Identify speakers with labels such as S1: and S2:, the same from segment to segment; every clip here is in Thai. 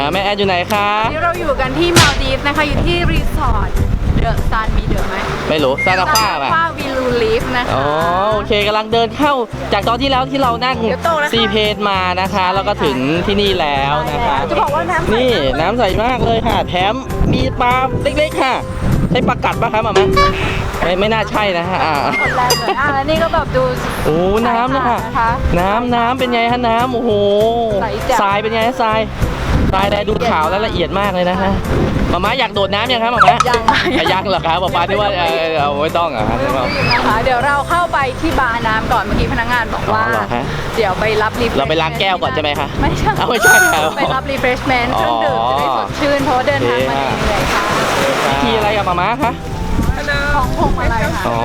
S1: แม่แอดอยู่ไหนคะ
S2: นี่เราอยู่กันที่มาลดีฟนะคะอยู่ที่รีสอร์ทเดอะซันมีเดอะไหม
S1: ไม่รู้ซานาฟ้าป่ะ
S2: วิลูลีฟนะคะ
S1: อ๋อโอเคกำลังเดินเข้าจากตอนที่แล้วที่เรานั่งซีเพจมานะคะแล้วก็ถึงที่นี่แล้วนะคะ
S2: จะบอกว่า
S1: นี่น้ำใสมากเลยค่ะแถมมีปลาเล็กๆค่ะใช่ปลากัดป่ะครับหมอมไม่น่าใช่นะฮะ
S2: คนแรกเลยแล้วนี่ก็แบบดู
S1: โอ้น้ำนะคะน้ำเป็นไงฮะน้ำโอ้โหทรายเป็นไงทรายแดงดูขาวและละเอียดมากเลยนะฮะหมาอยากโดดน้ำยังครับหมายังเหรอครับป้าที่ว่าเอาไม่ต้องอ่ะ
S2: นะคะเดี๋ยวเราเข้าไปที่บาร์น้ำก่อนเมื่อกี้พนักงานบอกว่าเดี๋ยวไปรับรีเฟรช
S1: เราไปล้างแก้วก่อนใช่ไหมคะ
S2: ไม่ใช่ไปรับรีเฟรชเมนต์เครื่องดื่มจะได้สดชื่นเพราะเดินทางมาเหนื่อยค่ะ
S1: ที่อะไรกับหมาคะ
S2: ของพวงมาลัยค่ะ
S1: อ๋อ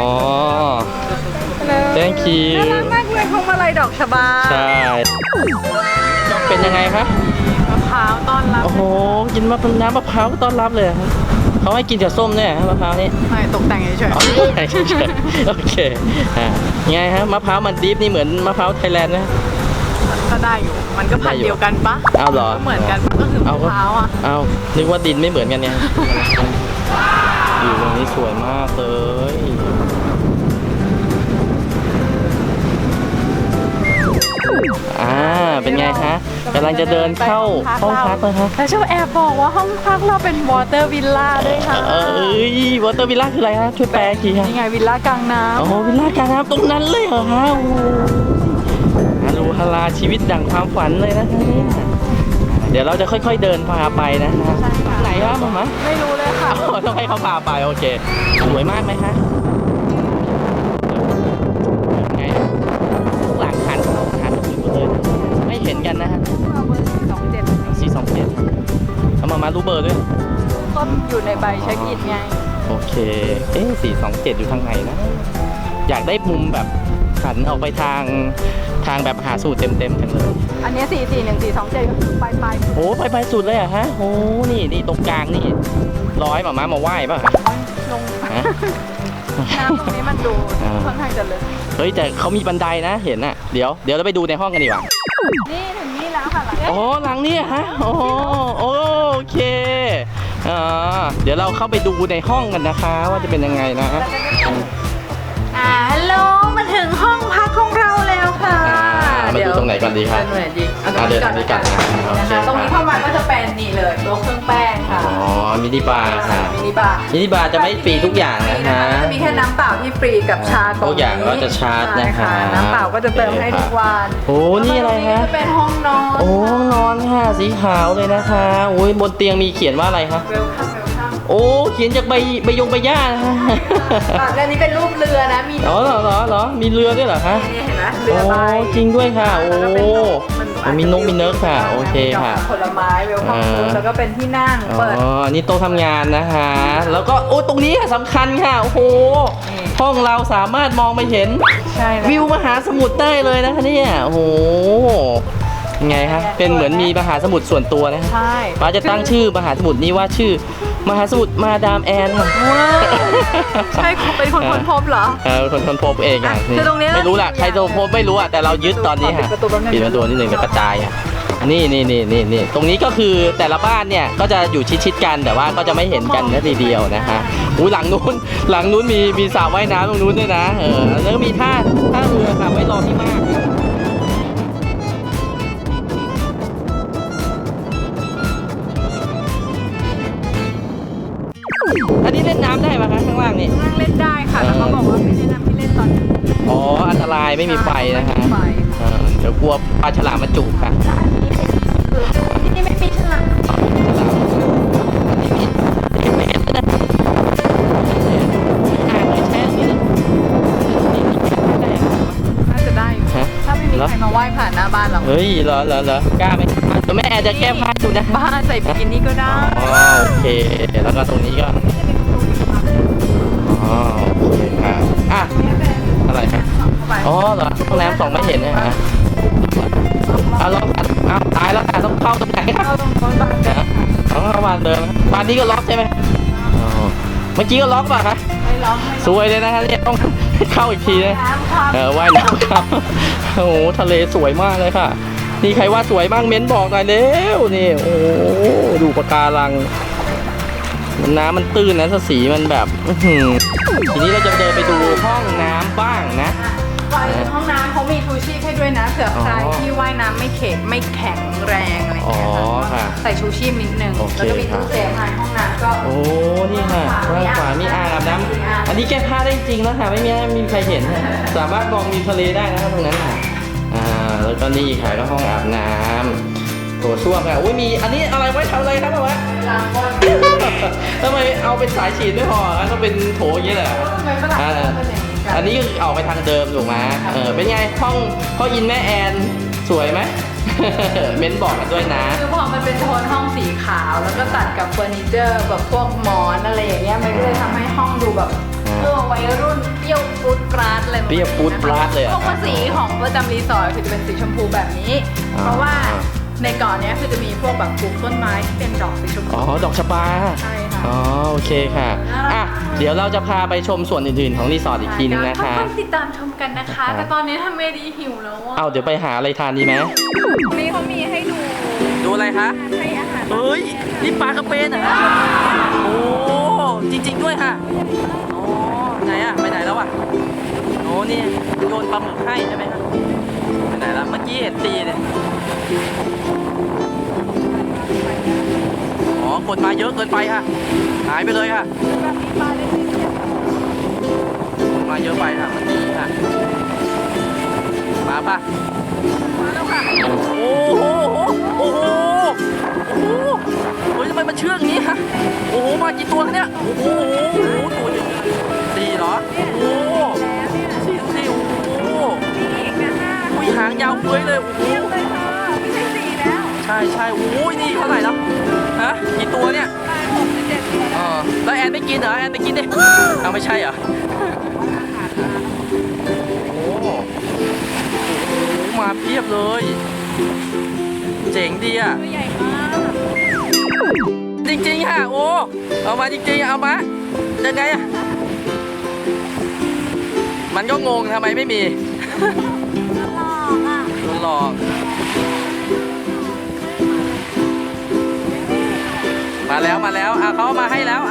S1: thank you
S2: น่ารักมากเลยพวงมาลัยดอกชบา
S1: ใช่เป็นยังไงคะ
S2: มะพร้าวต้อนรับ
S1: โอ้โหกินน้ำมะพร้าวต้อนรับเลยเขาให้กินกับส้มเนี่ยมะพร้าวนี่
S2: ไม่ตกแต่งเฉย
S1: ๆโอเคไงฮะมะพร้าวมันดิฟนี่เหมือนมะพร้าวไทยแลนด์นะ
S2: ก็ได้อยู่มันก็พันเดียวกันปะ
S1: เอาเหรอ
S2: เหมือนกันก็คือมะพร้าวอ่ะ
S1: เอานึกว่าดินไม่เหมือนกันเนี่ยอยู่ตรงนี้สวยมากเลยเป็นไงฮะกำลังจะเดินเข้าห้องพักเลยฮะ
S2: แต่ชอบแอบบอกว่าห้องพักเราเป็นวอเตอร์วิลล่าด้วยค่ะ
S1: วอเตอร์วิลล่าคืออะไรฮะช่วยแปลทีฮะ
S2: นี่ไงวิลล่ากลางน้ำ
S1: โอ้วิลล่ากลางน้ำตรงนั้นเลยเหรอฮะโอ้ฮารูฮาราชีวิตดั่งความฝันเลยนะเดี๋ยวเราจะค่อยๆเดินพาไปนะฮะไหนครับผม
S2: ไม่รู้เลยค่ะ
S1: ต้องให้เขาพาไปโอเคสวยมากไหมฮะไงหลังคันเขาคันอยู่เลยไม่เห็นกันนะฮะ427เอามารู้เบอร์ด้วย
S2: ก็อยู่ในใบเช็คอินไง
S1: โอเค427อยู่ทางไหนนะอยากได้มุมแบบหันออกไปทางแบบหาสูตรเต็มจังเลย
S2: อันนี้441 427ก็คือไป
S1: โอ้ไปสุดเลยอะฮะโอ้นี่ตรงกลางนี่ร้อยมาไหว้ป่ะ
S2: ลงน้ำตรงนี้มันดูค่อนข้างจะลึก
S1: เฮ้ยแต่เขามีบันไดนะเห็นอะเดี๋ยวเราไปดูในห้องกันดีกว่า
S2: นี่ถึงนี่แล้วค่ะ
S1: หลังนี้ฮะโอเคเดี๋ยวเราเข้าไปดูในห้องกันนะคะว่าจะเป็นยังไงนะ
S2: ฮัลโหลมาถึงห้องพักของเราแล้วค่ะ
S1: มาดูตรงไหนก่อนดีครับเดินทางนี้กัน
S2: นะคะตรงนี้เข้ามาก็จะเป็นนี่เลยโต๊ะเครื่องแป้งค่ะ
S1: มินิบาร์ค่ะ
S2: มินิบาร์
S1: จะไม่ฟรีทุกอย่างนะคะ
S2: จะมีแค่น้ำเปล่าที่ฟรีกับชา
S1: ทุกอย่างก็จะชาร์จนะคะ
S2: น้ำเปล่าก็จะเติมให้ทุกวัน
S1: โอ้นี่อะไรฮะ
S2: จะเป็นห้องนอน
S1: ห้องนอนค่ะสีขาวเลยนะคะโอ้ยบนเตียงมีเขียนว่าอะไรคะโอ้เขียนจากใบหญ้านะฮะ
S2: อันนี้เป็นรูปเรือนะมี
S1: เหรอมีเรือด้วยเหรอคะ
S2: เห็นไหมเรือใบ
S1: จริงด้วยค่ะโอ้มีนกมีเนิร์กค่ะโอเคค่ะ
S2: ผลไม้เวลคัมฟู้ดแล้วก็เป็นที่นั่งเปิด
S1: นี่โต๊ะทำงานนะคะแล้วก็ตรงนี้สำคัญค่ะโอ้โหห้องเราสามารถมองไปเห็นวิวมหาสมุทรได้เลยนะคะเนี่ยโอ้โหไงฮะเป็นเหมือนมีมหาสมุทรส่วนตัวนะ
S2: ใช่
S1: ป้าจะตั้งชื่อมหาสมุทรนี้ว่าชื่อมหาสมุทรมาดามแอนค่ะ
S2: ใช่เป็นคนค้นพบเหรอ
S1: คนค้นพบเองอ่ะไม่รู้ล่ะใครค้นพบไม่รู้อ่ะแต่เรายึดตอนนี้ค่ะปิดประตูนิดนึงจะกระจายอ่ะนี่ตรงนี้ก็คือแต่ละบ้านเนี่ยก็จะอยู่ชิดกันแต่ว่าก็จะไม่เห็นกันทีเดียวนะฮะหลังนู้นมีสระว่ายน้ำตรงนู้นด้วยนะแล้วก็มีท่าเรือค่ะไว้รอที่มากอันนี้เล่นน้ำได้ไหมคะข้างล่างนี่
S2: ข้างล่างเล่นได้ค่ะแต่เขาบอกว่าไม่แนะนำให้เล่นตอนนี้
S1: อันตรายไม่มีไฟนะคะเดี๋ยวกลัวปลาฉลามมาจุกค่ะ
S2: ที่นี่ไม่มีฉลามน่าจะได้อยู่ถ้าไม่มีใครมาไหว้ผ่านหน้าบ้านเรา
S1: เฮ้ยเหรอกล้าไหมตัวแม่จะแก้ผ้าดูนะ
S2: บ้านใส่บิกินี่ก็ได้
S1: โอเคแล้วก็ตรงนี้ก็โอเคค่ะอะไรฮะเหรอห้องน้ำ2ไม่เห็นนะฮะล็อกตายแล้วค่ะต้องเข้าตรงไหนครับเข้าบ้านเดิมบ้านนี้ก็ล็อกใช่ไหมเมื่อกี้ก็ล็อกป่ะคะ
S2: ไม่ล็อก
S1: สวยเลยนะคะเนี่ยต้องเข้าอีกทีนะว่ายน้ำครับโอ้โหทะเลสวยมากเลยค่ะนี่ใครว่าสวยบ้างเม้นบอกหน่อยเร็วนี่โอ้โหดูปะการังน้ำมันตื้นนะสีมันแบบทีนี้เราจะเดินไปดูห้องน้ำบ้างนะ
S2: ก่อนห้องน้ำเขามีทูชีพให้ด้วยนะเผื่อใครที่ว่ายน้ำไม่แข็งแรงอะไรอย่างเงี้ยค่ะใส่ชูชีพนิดนึงแล้วก็มีตู้เซฟในห้องน้ำก็
S1: โอ้นี่ค่ะด้านขวามีอ่างอาบน้ำอันนี้แก้ผ้าได้จริงแล้วค่ะไม่มีใครเห็นสามารถมองมีทะเลได้นะครับตรงนั้นค่ะแล้วก็นี่ค่ะก็ห้องอาบน้ำโถส้วมค่ะอุ้ยมีอันนี้อะไรไว้ทำอะไรครับวะทำไมเอาเป็นสายฉีดไม่พอต้องเป็นโถอย่างนี้แหละอันนี้ออกไปทางเดิมถูกไหมเป็นไงห้องพ่อยินแม่แอนสวยไหม เม้นบอกกันด้วยนะ
S2: คือพอมันเป็นโทนห้องสีขาวแล้วก็ตัดกับเฟอร์นิเจอร์แบบพวกหมอนอะไรอย่างเงี้ยมันก็เลยทำให้ห้องดูแบบวัยรุ่นเปรี้ยวปูดปราดเลย
S1: เปรี้ยวปูดปราดเลย
S2: พวกสีของประจำรีสอร์ทคือจะเป็นสีชมพูแบบนี้เพราะว่าในเกาะนี้คือจะมีพวกแบบปลูกต้นไม้ที่เป็นดอกสีชมพู
S1: ดอกชบา
S2: ใช่ค่ะ
S1: โอเคค่ะเดี๋ยวเราจะพาไปชมส่วนอื่นๆของรีสอร์ทอีกทีนึงนะคะ
S2: ต้องติดตามชมกันนะคะแต่ตอนนี้ทำไม่ดีหิวแล้ว
S1: เดี๋ยวไปหาอะไรทานดีไหม
S2: นี่เขามีให้
S1: ดูอะไรคะ
S2: ให้อาหาร
S1: เฮ้ยนี่ปลากระเบนเหรอโอ้จริงๆด้วยค่ะไหนไปไหนแล้วนี่โยนปลาหมึกให้ใช่ไหมคะไปไหนแล้วเมื่อกี้เห็นตีเนี่ยกดมาเยอะเกินไปค่ะหายไปเลยค่ะมาเยอะไปค่ะเมื่อกี้ค่ะมาป่ะ
S2: มาแล้วค่ะ
S1: โอ้โหเฮ้ยทำไมมันเชื่องนี้ฮะโอ้โหมากี่ตัวเนี่ยโอ้โหตัวเยอะสี่เหรอโอ้โหสี่โอ้โหอุ้ยหางยาวเฟ้ยเลยโอ้โห
S2: ไม่ใช่สี่แล้ว
S1: ใช่โอ้ยนี่เท่าไหร่แล้วฮะกี่ตัวเนี่ยแล้วแอนไม่กินเหรอแอนไม่กินดิไม่ใช่เหรอโอ้โหมาเพียบเลยเจ๋งดีอ่ะ
S2: ตัวใหญ่มาก
S1: จริงๆค่ะโอ้เอามาจริงๆเอามายังไงอ่ะมันก็งงทำไมไม่มีหลอกมาแล้วเขามาให้แล้ว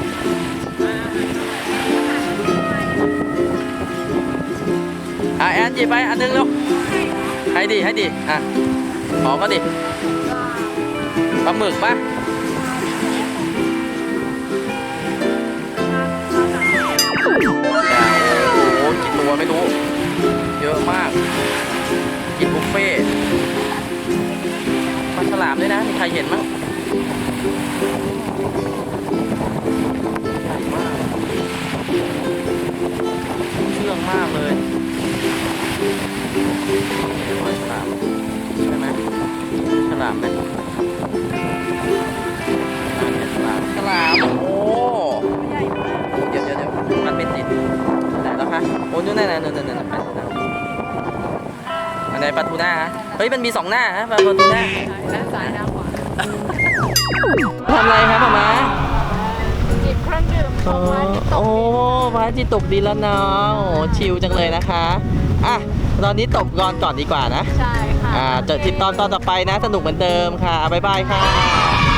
S1: แอนหยิบไปอันนึงเร็วให้ดิขอก็ดิปลาหมึกป่ะโอ้กี่ตัวไม่รู้เยอะมากกินบุฟเฟ่ปลาฉลามด้วยนะมีใครเห็นมั้งเชื่องมากเลยฉลามใช่ไหมฉลามไหมฉลามโอ้เดี๋ยวมันไม่ติดไหนแล้วคะโอ้นู่นนั่นอันไหนปลาทูน่าเฮ้ยมันมี2หน้าฮะปลาทูน่า
S2: หน้าซ้ายหน้าขวา
S1: ทำอะไรครับพ่อมา
S2: จิบเครื่องดื่ม
S1: พระอาทิตย์ตกดินแล้วเนาะชิลจังเลยนะคะตอนนี้ตกก่อนดีกว่านะ
S2: ใช่ค่ะ
S1: เจอติดตอนต่อไปนะสนุกเหมือนเดิมค่ะบ๊ายบายค่ะ